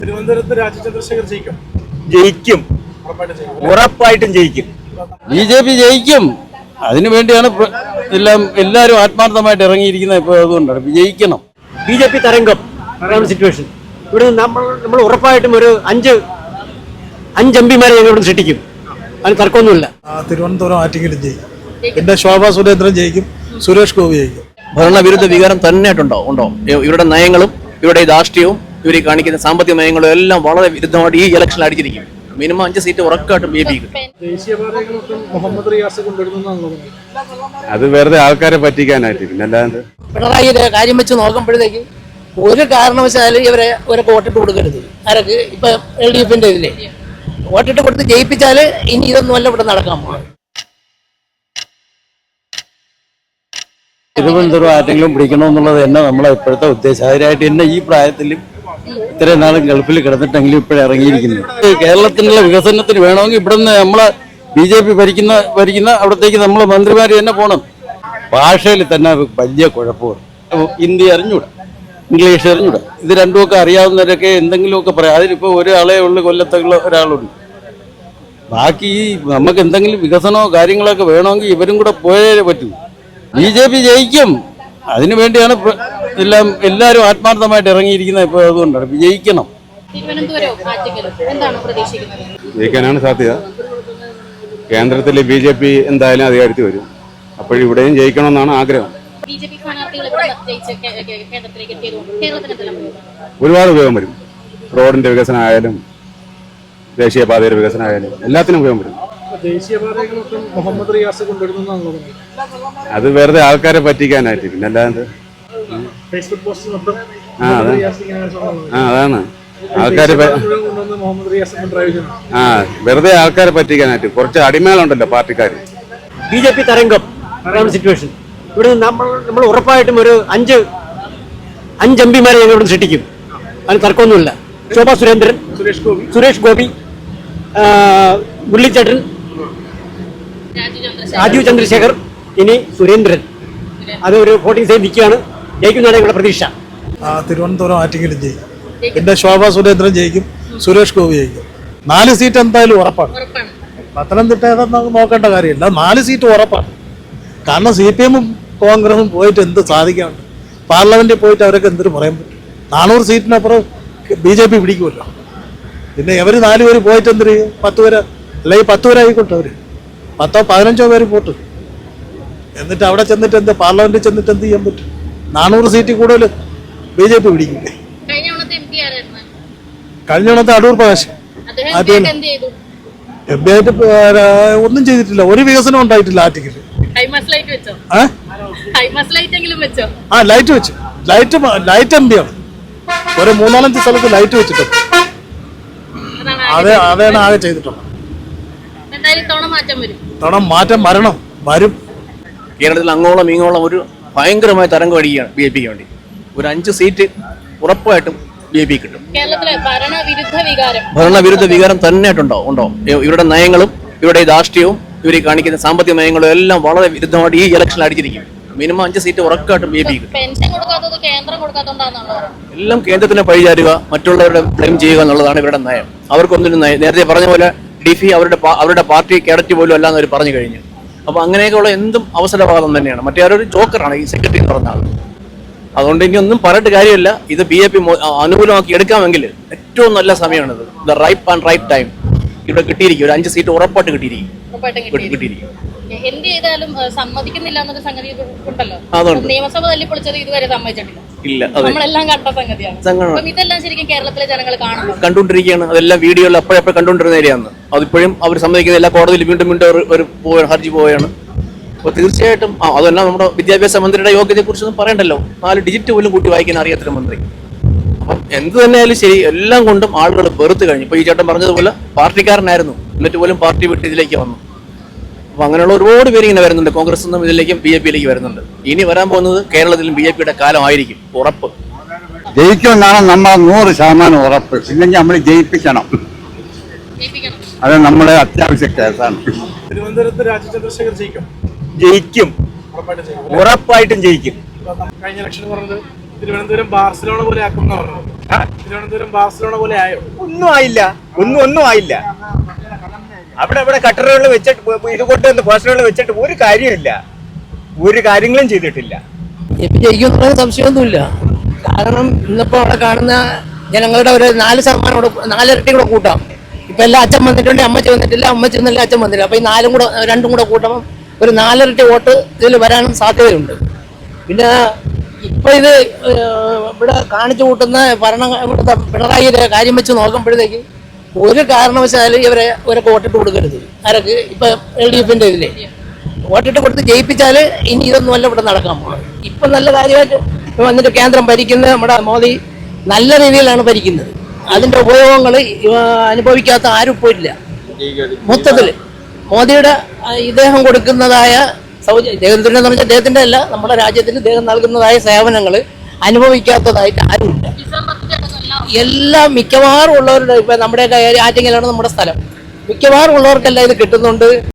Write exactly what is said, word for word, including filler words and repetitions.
തിരുവനന്തപുരത്ത് രാജീവ് ചന്ദ്രശേഖർ ജയിക്കും. ജയിക്കും, ഉറപ്പായിട്ടും ജയിക്കും. ബി ജെ പി ജയിക്കും. അതിനുവേണ്ടിയാണ് എല്ലാം എല്ലാവരും ആത്മാർത്ഥമായിട്ട് ഇറങ്ങിയിരിക്കുന്നത്. ഇപ്പോൾ അതുകൊണ്ടാണ് ജയിക്കണം. ബി ജെ പി തരംഗം സിറ്റുവേഷൻ ഇവിടെ നമ്മൾ നമ്മൾ ഉറപ്പായിട്ടും ഒരു അഞ്ച് അഞ്ച് എം പിമാരെ ഞങ്ങൾ ഇവിടെ സൃഷ്ടിക്കും. അതിന് തർക്കമൊന്നുമില്ല. തിരുവനന്തപുരം ആറ്റിങ്ങലും ജയിക്കും. പിന്നെ ശോഭാ സുരേന്ദ്രൻ ജയിക്കും, സുരേഷ് ഗോപി ജയിക്കും. ഭരണവിരുദ്ധ വികാരം തന്നെയായിട്ടുണ്ടോ ഉണ്ടോ ഇവരുടെ നയങ്ങളും ഇവരുടെ രാഷ്ട്രീയവും ഇവർ കാണിക്കുന്ന സാമ്പത്തിക നയങ്ങളും എല്ലാം വളരെ വിരുദ്ധമായിട്ട് ഈ ഇലക്ഷനിൽ അടിച്ചിരിക്കും. മിനിമം അഞ്ച് സീറ്റ് ഉറപ്പായിട്ടും ബി ജെ പി കിട്ടും. മുഹമ്മദ് റിയാസ് കൊണ്ടുവരുന്നതാണ്. അത് വെറുതെ ആൾക്കാരെ പറ്റിക്കാനായിട്ട്. പിന്നെ അല്ലാണ്ട് പിണറായിയുടെ കാര്യം വെച്ച് നോക്കുമ്പോഴത്തേക്ക് ഒരു കാരണവശാലും ഇവരെ ഒരു വോട്ടിട്ട് കൊടുക്കരുത്. ആരൊക്കെ ഇപ്പൊ എൽ ഡി എഫിന്റെ ഇതില് വോട്ടിട്ട് കൊടുത്ത് ജയിപ്പിച്ചാല് ഇനി ഇതൊന്നും അല്ല ഇവിടെ നടക്കാൻ പോകുന്നത്. തിരുവനന്തപുരം ആരെങ്കിലും പിടിക്കണമെന്നുള്ളത് തന്നെ നമ്മളെ ഇപ്പോഴത്തെ ഉദ്ദേശം. അതിനായിട്ട് തന്നെ ഈ പ്രായത്തിലും ഇത്രയും നാളും ഗൾഫിൽ കിടന്നിട്ടെങ്കിലും ഇപ്പോഴും ഇറങ്ങിയിരിക്കുന്നത്. കേരളത്തിനുള്ള വികസനത്തിന് വേണമെങ്കിൽ ഇവിടുന്ന് നമ്മളെ ബി ജെ പി ഭരിക്കുന്ന ഭരിക്കുന്ന അവിടത്തേക്ക് നമ്മൾ മന്ത്രിമാർ തന്നെ പോകണം. ഭാഷയിൽ തന്നെ വലിയ കുഴപ്പമാണ്. ഹിന്ദി അറിഞ്ഞൂടാ, ഇംഗ്ലീഷ് അറിഞ്ഞൂടാ. ഇത് രണ്ടുമൊക്കെ അറിയാവുന്നവരൊക്കെ എന്തെങ്കിലുമൊക്കെ പറയാം. അതിലിപ്പോൾ ഒരാളെ ഉള്ളു, കൊല്ലത്തുള്ള ഒരാളുണ്ട്. ബാക്കി ഈ നമുക്ക് എന്തെങ്കിലും വികസനമോ കാര്യങ്ങളൊക്കെ വേണമെങ്കിൽ ഇവരും കൂടെ പോയേ പറ്റൂ. ബി ജെ പി ജയിക്കും. അതിനുവേണ്ടിയാണ് എല്ലാം എല്ലാവരും ആത്മാർത്ഥമായിട്ട് ഇറങ്ങിയിരിക്കുന്നത്. ഇപ്പോൾ അതുകൊണ്ടാണ് ജയിക്കണം. ജയിക്കാനാണ് സാധ്യത. കേന്ദ്രത്തിൽ ബി ജെ പി എന്തായാലും അധികാരത്തിൽ വരും. അപ്പോഴിവിടെയും ജയിക്കണമെന്നാണ് ആഗ്രഹം. ഒരുപാട് ഉപയോഗം വരും. റോഡിന്റെ വികസനം ആയാലും ദേശീയപാതയുടെ വികസനം ആയാലും എല്ലാത്തിനും ഉപയോഗം വരും. ദേശീയപാതകളൊക്കെ മുഹമ്മദ് റിയാസ് കൊണ്ടുവരുന്നതാണ്. അത് വെറുതെ ആൾക്കാരെ പറ്റിക്കാനായിട്ട്. പിന്നെ അല്ലാണ്ട് ഫേസ്ബുക്ക് പോസ്റ്റ് ആ അതാണ് ആൾക്കാരെ ആ വെറുതെ ആൾക്കാരെ പറ്റിക്കാനായിട്ട്. കുറച്ച് അടിമകളുണ്ടല്ലോ പാർട്ടിക്കാർ. ബി ജെ പി തരംഗം സിറ്റുവേഷൻ ഇവിടെ നമ്മൾ നമ്മൾ ഉറപ്പായിട്ടും ഒരു അഞ്ച് അഞ്ച് എം പിമാരെ ഞങ്ങൾ ഇവിടെ സൃഷ്ടിക്കും. അതിന് തർക്കമൊന്നുമില്ല. ശോഭാ സുരേന്ദ്രൻ, സുരേഷ് ഗോപി സുരേഷ് ഗോപി മുരളീധരൻ, രാജീവ് ചന്ദ്രശേഖർ, ഇനി സുരേന്ദ്രൻ. അത് ഒരു വോട്ടിംഗ് സൈഡ് നിൽക്കുകയാണ്. ജയിക്കുന്നതാണ് ഞങ്ങളുടെ പ്രതീക്ഷ. തിരുവനന്തപുരം ആറ്റിങ്ങലും ജയിക്കും. പിന്നെ ശോഭാ സുരേന്ദ്രൻ ജയിക്കും, സുരേഷ് ഗോപി ജയിക്കും. നാല് സീറ്റ് എന്തായാലും ഉറപ്പാണ്. പത്തനംതിട്ട ഏതെന്ന് നോക്കേണ്ട കാര്യമില്ല. നാല് സീറ്റ് ഉറപ്പാണ്. കാരണം സി പി എമ്മും കോൺഗ്രസും പോയിട്ട് എന്ത് സാധിക്കാനുണ്ട്? പാർലമെന്റിൽ പോയിട്ട് അവരൊക്കെ എന്തിനു പറയാൻ പറ്റും? നാനൂറ് സീറ്റിനപ്പുറം ബി ജെ പി പിടിക്കുമല്ലോ. പിന്നെ ഇവർ നാല് പേര് പോയിട്ട് എന്തിന് പത്ത് പേര് അല്ലെങ്കിൽ പത്ത് പേരായിക്കോട്ടെ. അവർ പത്തോ പതിനഞ്ചോ പേര് പോട്ട് എന്നിട്ട് അവിടെ ചെന്നിട്ട് എന്ത് പാർലമെന്റിൽ ചെന്നിട്ട് എന്ത് ചെയ്യാൻ പറ്റും? നാനൂറ് സീറ്റ് കൂടുതൽ ബി ജെ പി പിടിക്കില്ലേ? കഴിഞ്ഞ തവണത്തെ അടൂർ പ്രകാശ് എം പി ആയിട്ട് ഒന്നും ചെയ്തിട്ടില്ല. ഒരു വികസനം ഉണ്ടായിട്ടില്ല ആറ്റിങ്ങിൽ. ആ ലൈറ്റ് വെച്ചു. ലൈറ്റ് ലൈറ്റ് എം പി ആണ്. ഒരു മൂന്നാലഞ്ച് സ്ഥലത്ത് ലൈറ്റ് വെച്ചിട്ടുണ്ട്. അതെ അതാണ് ആകെ ചെയ്തിട്ടുള്ളത്. തവണ മാറ്റം വരണം, വരും. കേരളത്തിൽ അങ്ങോളം ഇങ്ങോളം ഒരു ഭയങ്കരമായ തരംഗം അടിക്കുകയാണ് ബി ജെ പിക്ക് വേണ്ടി. ഒരു അഞ്ച് സീറ്റ് ഉറപ്പായിട്ടും ബി ജെ പി കിട്ടും. ഭരണവിരുദ്ധ വികാരം തന്നെയായിട്ടുണ്ടോ ഉണ്ടോ ഇവരുടെ നയങ്ങളും ഇവരുടെ രാഷ്ട്രീയവും ഇവർ കാണിക്കുന്ന സാമ്പത്തിക നയങ്ങളും എല്ലാം വളരെ വിരുദ്ധമായിട്ട് ഈ ഇലക്ഷനിൽ അടിച്ചിരിക്കും. മിനിമം അഞ്ച് സീറ്റ് ഉറപ്പായിട്ടും ബി ജെ പി കിട്ടും. എല്ലാം കേന്ദ്രത്തിനെ പഴിചാരുക, മറ്റുള്ളവരുടെ ബ്ലെയിം ചെയ്യുക എന്നുള്ളതാണ് ഇവരുടെ നയം. അവർക്കൊന്നും നേരത്തെ പറഞ്ഞ പോലെ ഡിഫി അവരുടെ അവരുടെ പാർട്ടി കേഡറ്റ് പോലും അല്ലാന്ന് അവർ പറഞ്ഞു കഴിഞ്ഞു. അപ്പൊ അങ്ങനെയൊക്കെയുള്ള എന്തും അവസരവാദം തന്നെയാണ്. മറ്റേ ആരൊരു ജോക്കറാണ് ഈ സെക്രട്ടറി എന്ന് പറഞ്ഞ ആൾ. അതുകൊണ്ട് ഇനി ഒന്നും പറഞ്ഞിട്ട് കാര്യമില്ല. ഇത് ബി ജെ പി അനുകൂലമാക്കി എടുക്കാമെങ്കിൽ ഏറ്റവും നല്ല സമയമാണിത്. The right and right time ഇവിടെ കിട്ടിയിരിക്കും. ഒരു അഞ്ച് സീറ്റ് ഉറപ്പായിട്ട് കിട്ടിയിരിക്കും കിട്ടിയിരിക്കും എന്ത് ചെയ്താലും സമ്മതിക്കുന്നില്ല എന്നൊരു സംഗതി ഉണ്ടല്ലോ. നിയമസഭ തല്ലിപ്പൊളിച്ചത് ഇതുവരെ സമ്മതിച്ചിട്ടില്ല. ഇല്ല, നമ്മളെല്ലാം കണ്ട സംഗതിയാണ്. അപ്പം ഇതെല്ലാം ശരിക്കും കേരളത്തിലെ ജനങ്ങൾ കാണുന്നു, കണ്ടുകൊണ്ടിരിക്കുകയാണ്. അതെല്ലാം വീഡിയോയിൽ അപ്പോഴപ്പോഴും കണ്ടുകൊണ്ടിരുന്ന ഏരിയയാണ്. അതിപ്പോഴും അവർ സമ്മതിക്കുന്നില്ല. കോടതിയിൽ വീണ്ടും വീണ്ടും ഒരു ഹർജി പോവുകയാണ്. അപ്പോൾ തീർച്ചയായിട്ടും അതെല്ലാം നമ്മുടെ വിദ്യാഭ്യാസ മന്ത്രിയുടെ യോഗ്യതയെ കുറിച്ചൊന്നും പറയണ്ടല്ലോ. നാല് ഡിജിറ്റ് പോലും കൂട്ടി വായിക്കാൻ അറിയാത്തൊരു മന്ത്രി. അപ്പം എന്ത് തന്നെയായാലും ശരി, എല്ലാം കൊണ്ടും ആളുകൾ വെറുത്ത് കഴിഞ്ഞു. ഇപ്പൊ ഈ ചേട്ടൻ പറഞ്ഞതുപോലെ പാർട്ടിക്കാരനായിരുന്നു, എന്നിട്ട് പോലും പാർട്ടി വിട്ട് ഇതിലേക്ക് വന്നു. അപ്പൊ അങ്ങനെയുള്ള ഒരുപാട് പേര് ഇങ്ങനെ വരുന്നുണ്ട്. കോൺഗ്രസ് നിന്നും ഇതിലേക്കും ബി ജെ പിയിലേക്ക് വരുന്നുണ്ട്. ഇനി വരാൻ പോകുന്നത് കേരളത്തിലും ബി ജെ പിയുടെ കാലമായിരിക്കും, ഉറപ്പ്. ജയിക്കുമെന്നാണ് നമ്മൾ നൂറ് ശതമാനം ഉറപ്പ്. ഇല്ലെങ്കിൽ നമ്മൾ ജയിപ്പിക്കണം. അത് നമ്മുടെ അത്യാവശ്യ കേസാണ്. തിരുവനന്തപുരത്ത് രാജീവ് ചന്ദ്രശേഖർ ജയിക്കും. ജയിക്കും, ഉറപ്പായിട്ടും ജയിക്കും. കഴിഞ്ഞ ഇലക്ഷൻ പറഞ്ഞത് തിരുവനന്തപുരം ബാർസലോണ പോലെ ആക്കുന്ന പറഞ്ഞു. തിരുവനന്തപുരം ബാർസലോണ പോലെ ആയോ? ഒന്നും ആയില്ല, ഒന്നും ഒന്നും ആയില്ല. അവിടെ അവിടെ കട്ടറുകൾ വെച്ചിട്ട് ഇത് കൊണ്ട് പോസ്റ്ററുകൾ വെച്ചിട്ട് ഒരു കാര്യമില്ല, ഒരു കാര്യങ്ങളും ചെയ്തിട്ടില്ല. ഇപ്പൊ ജയിക്കുന്ന സംശയമൊന്നുമില്ല. കാരണം ഇന്നിപ്പോ അവിടെ കാണുന്ന ജനങ്ങളുടെ ഒരു നാല് ശതമാനം കൂടെ നാലിരട്ടി കൂടെ കൂട്ടാം. ഇപ്പൊ എല്ലാം അച്ഛൻ വന്നിട്ടുണ്ട്, അമ്മച്ചി വന്നിട്ടില്ല, അമ്മച്ചി വന്നില്ല, അച്ഛൻ വന്നില്ല. അപ്പൊ ഈ നാലും കൂടെ രണ്ടും കൂടെ കൂട്ടുമ്പോൾ ഒരു നാലിരട്ടി വോട്ട് ഇതിൽ വരാനും സാധ്യതയുണ്ട്. പിന്നെ ഇപ്പൊ ഇത് ഇവിടെ കാണിച്ചു കൂട്ടുന്ന ഭരണ ഇവിടുത്തെ പിണറായിയുടെ കാര്യം വെച്ച് നോക്കുമ്പോഴത്തേക്ക് ഒരു കാരണവശാലും ഇവരെ ഇവരൊക്കെ വോട്ടിട്ട് കൊടുക്കരുത്. ആരൊക്കെ ഇപ്പൊ എൽ ഡി എഫിന്റെ ഇതിലെ വോട്ടിട്ട് കൊടുത്ത് ജയിപ്പിച്ചാല് ഇനി ഇതൊന്നും അല്ല ഇവിടെ നടക്കാൻ പോകുന്നത്. ഇപ്പൊ നല്ല കാര്യമായിട്ട് വന്നിട്ട് കേന്ദ്രം ഭരിക്കുന്ന നമ്മുടെ മോദി നല്ല രീതിയിലാണ് ഭരിക്കുന്നത്. അതിന്റെ ഉപയോഗങ്ങൾ അനുഭവിക്കാത്ത ആരും പോയില്ല. മൊത്തത്തില് മോദിയുടെ ഇദ്ദേഹം കൊടുക്കുന്നതായ സൗജന്യ ഇദ്ദേഹത്തിന്റെ എന്ന് പറഞ്ഞാൽ ഇദ്ദേഹത്തിന്റെ അല്ല, നമ്മുടെ രാജ്യത്തിന് ഇദ്ദേഹം നൽകുന്നതായ സേവനങ്ങൾ അനുഭവിക്കാത്തതായിട്ട് ആരുമില്ല. എല്ലാം മിക്കവാറും ഉള്ളവരുടെ ഇപ്പൊ നമ്മുടെ ആറ്റിങ്ങലാണ് നമ്മുടെ സ്ഥലം. മിക്കവാറും ഉള്ളവർക്കെല്ലാം ഇത് കിട്ടുന്നുണ്ട്.